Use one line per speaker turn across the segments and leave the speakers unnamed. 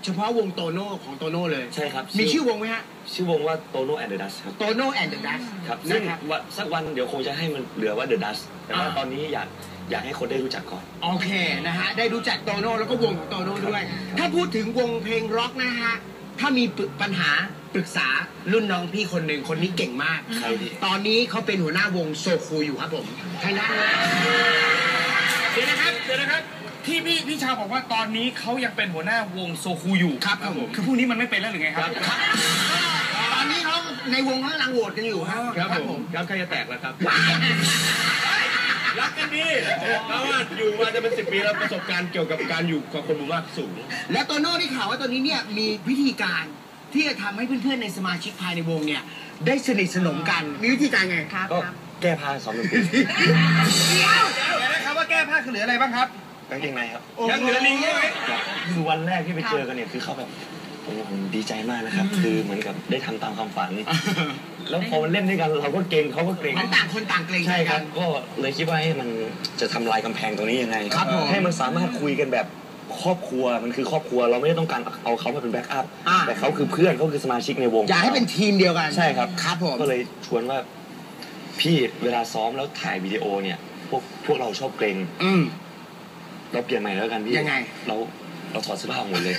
เฉพาะวงโตโน่ของโตโน่เลย
ใช่ครับ
มีชื่อวงไหมฮะ
ชื่อวงว่าโตโน่แอนด์เดอะดัชครับ
โตโน่แอนด์เดอะดัช
ครับซึ่งสักวันเดี๋ยวคงจะให้มันเหลือว่าเดอะดัชแต่ว่าตอนนี้อยากให้คนได้รู้จักก่อน
โอเคนะฮะได้รู้จักโตโน่แล้วก็วงของโตโน่ด้วยถ้าพูดถึงวงเพลงร็อกนะฮะถ้ามีปัญหาปรึกษารุ่นน้องพี่คนหนึ่งคนนี้เก่งมากตอนนี้เขาเป็นหัวหน้าวงโซคูอยู่ครับผมใครนะ
เดี๋ยวนะครับที่พี่ชาวบอกว่าตอนนี้เขายังเป็นหัวหน้าวงโซคูอยู่
ครับผม
คือพวกนี้มันไม่เป็นแล้วหรือไงครับ
ตอนนี้เขาในวงข้างหลังโหวตกันอยู่
ครับผมครับใครจะแตกแล้วครับ
รักกันดี
เพราะว่าอยู่มาจะเป็น10 ปีแล้วประสบการณ์เกี่ยวกับการอยู่กับคนหมู่มากสูง
และโตโน่ที่ข่าวว่าตอนนี้เนี่ยมีวิธีการที่จะทำให้เพื่อนๆในสมาชิกภายในวงเนี่ยได้สนิทสนมกันมีวิธีการไง
ก็แก้ผ้าซ้อมดนตรี
เดี๋ยวนะครับว่าแก้ผ้าคือเหลืออะไรบ้างครับ
กางเกงในครับ
ยังเหลือลิงใช่ไหม
คือวันแรกที่ไปเจอกันเนี่ยคือเขาแบบผมดีใจมากนะครับคือเหมือนกับได้ทำตามความฝันแล้วพอมันเล่นด้วยกันเราก็เกรงเขาก็เกรง
มันต่างคนต่างเกรง
ใช่ครับก็เลยคิดว่าให้มันจะทำลายกำแพงตรงนี้ยังไงให้มันสามารถคุยกันแบบครอบครัวมันคือครอบครัวเราไม่ได้ต้องการเอาเขามาเป็นแบ็กอัพแต่เขาคือเพื่อนเขาคือสมาชิกในวง
อยากให้เป็นทีมเดียวกัน
ใช่ครับ
ครับผม
ก็เลยชวนว่าพี่เวลาซ้อมแล้วถ่ายวิดีโอเนี่ยพวกเราชอบเกรงเราเปลี่ยนใหม่แล้วกันพี่
ยังไง
เราถอดเสื้อผ้าหมดเลย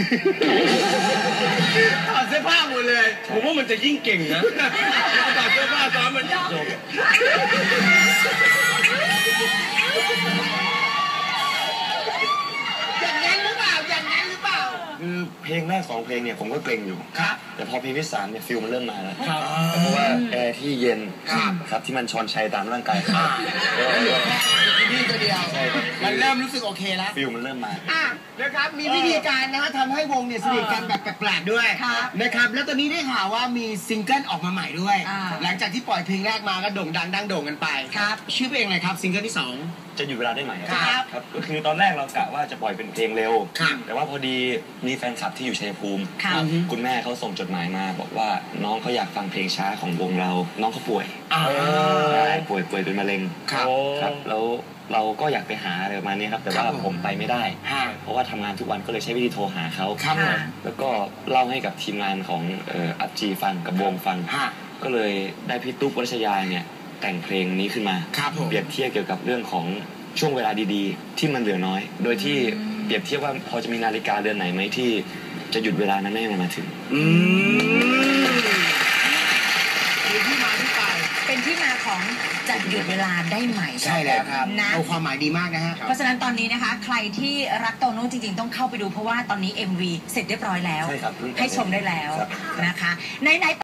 ถอดเสื้อผ้าหมดเลย
ผมว่ามันจะยิ่งเก่งนะถอดเสื้อผ้าซ้อมมันจบ
อย่างนั้นหรือเปล่า
คือเพลงแรก2 เพลงเนี่ยผมก็เกรงอยู่แต่พอเพลงที่3เนี่ยฟิลมันเริ่มมาแล้วเพราะว่าแอร์ที่เย็นครับที่มันชอนชัยตามร่างกาย
นี่ตัวเดียวมันเริ่มรู้สึกโอเคแล้ว
ฟิลมันเริ่มมา
นะครับมีวิธีการนะฮะทำให้วงเนี่ยสนิทกันแบบแปลกๆด้วยนะครับแล้วตอนนี้ได้ข่าวว่ามีซิงเกิลออกมาใหม่ด้วยหลังจากที่ปล่อยเพลงแรกมาก็โด่งดังดังโด่งกันไปชื่อเพลงอะไรครับซิงเกิลที่2
จะหยุดเวลาได้ไหมครับก็คือตอนแรกเรากะว่าจะปล่อยเป็นเพลงเร็วแต่ว่าพอดีมีแฟนคลับที่อยู่ชัยภูมิคุณแม่เขาส่งจดหมายมาบอกว่าน้องเขาอยากฟังเพลงช้าของวงเราน้องเขาป่วยป่วยเป็นมะเร็งครับแล้วเราก็อยากไปหาอะไรประมาณนี้ครับแต่ว่าผมไปไม่ได้เพราะว่าทำงานทุกวันก็เลยใช้วิธีโทรหาเขาแล้วก็เล่าให้กับทีมงานของอัพจีฟังกับวงฟังก็เลยได้พี่ตุ๊กวรัชยาเนี่ยแต่งเพลงนี้ขึ้นมาเปรียบเทียบเกี่ยวกับเรื่องของช่วงเวลาดีๆที่มันเหลือน้อยโดยที่เปรียบเทียบว่าพอจะมีนาฬิกาเรือนไหนไหมที่จะหยุดเวลานั้นไม่ให้มันมาถึง
เป็นที่มาของจะหยุดเวลาได้ไหม
ใช่แล้วครับนะเอาความหมายดีมากนะฮะ
เพราะฉะนั้นตอนนี้นะคะใครที่รักโตโน่จริงๆต้องเข้าไปดูเพราะว่าตอนนี้ MV เสร็จเรียบร้อยแล้วให้ชมได้แล้วนะคะใน